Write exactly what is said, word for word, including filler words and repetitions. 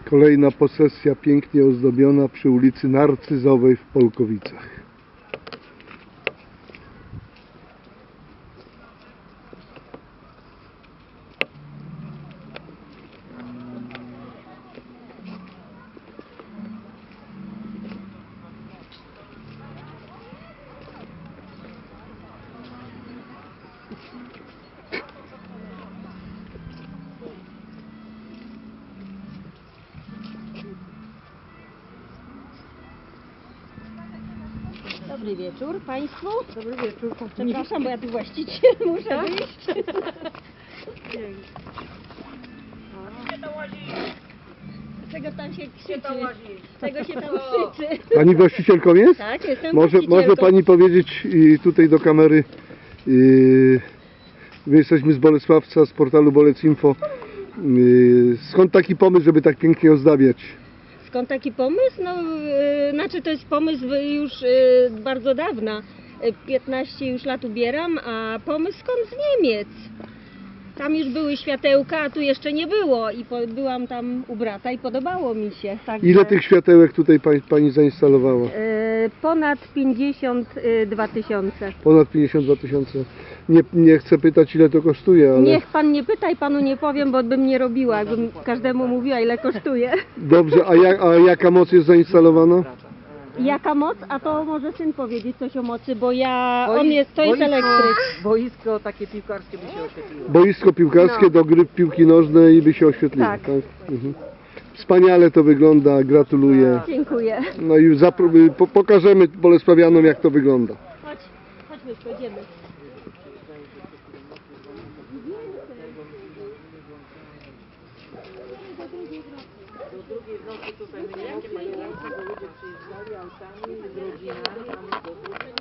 Kolejna posesja pięknie ozdobiona przy ulicy Narcyzowej w Polkowicach. Dobry wieczór Państwu. Dobry wieczór. Przepraszam, bo ja tu właściciel muszę wyjść. Czego tam się krzyczy? Czego się tam krzyczy? Pani właścicielką jest? Tak, jestem Może, właścicielką. może Pani powiedzieć i tutaj do kamery, yy, my jesteśmy z Bolesławca, z portalu Bolec Punkt info. Yy, skąd taki pomysł, żeby tak pięknie ozdabiać? Skąd taki pomysł? No, yy, znaczy to jest pomysł już yy, bardzo dawna. Yy, piętnaście już lat ubieram, a pomysł skąd z Niemiec. Tam już były światełka, a tu jeszcze nie było i po, byłam tam u brata i podobało mi się. Także, Ile tych światełek tutaj Pani, pani zainstalowała? yy, ponad pięćdziesiąt dwa tysiące. Ponad pięćdziesiąt dwa tysiące. Nie, nie chcę pytać, ile to kosztuje, ale... Niech pan nie pyta i panu nie powiem, bo bym nie robiła, jakbym każdemu mówiła, ile kosztuje. Dobrze, a, jak, a jaka moc jest zainstalowana? Jaka moc? A to może syn powiedzieć coś o mocy, bo ja... on jest, to jest elektryk. Boisko takie piłkarskie by się oświetliło. Boisko piłkarskie No. do gry w piłki nożnej i by się oświetliło. Tak. Mhm. Wspaniale to wygląda, gratuluję. Dziękuję. No i zapro- po, pokażemy Bolesławianom, jak to wygląda. Chodź, chodźmy, pójdziemy. Do drugiej w nocy tutaj my nie mogliśmy, bo ludzie przyjeżdżali autami z rodzinami, a my do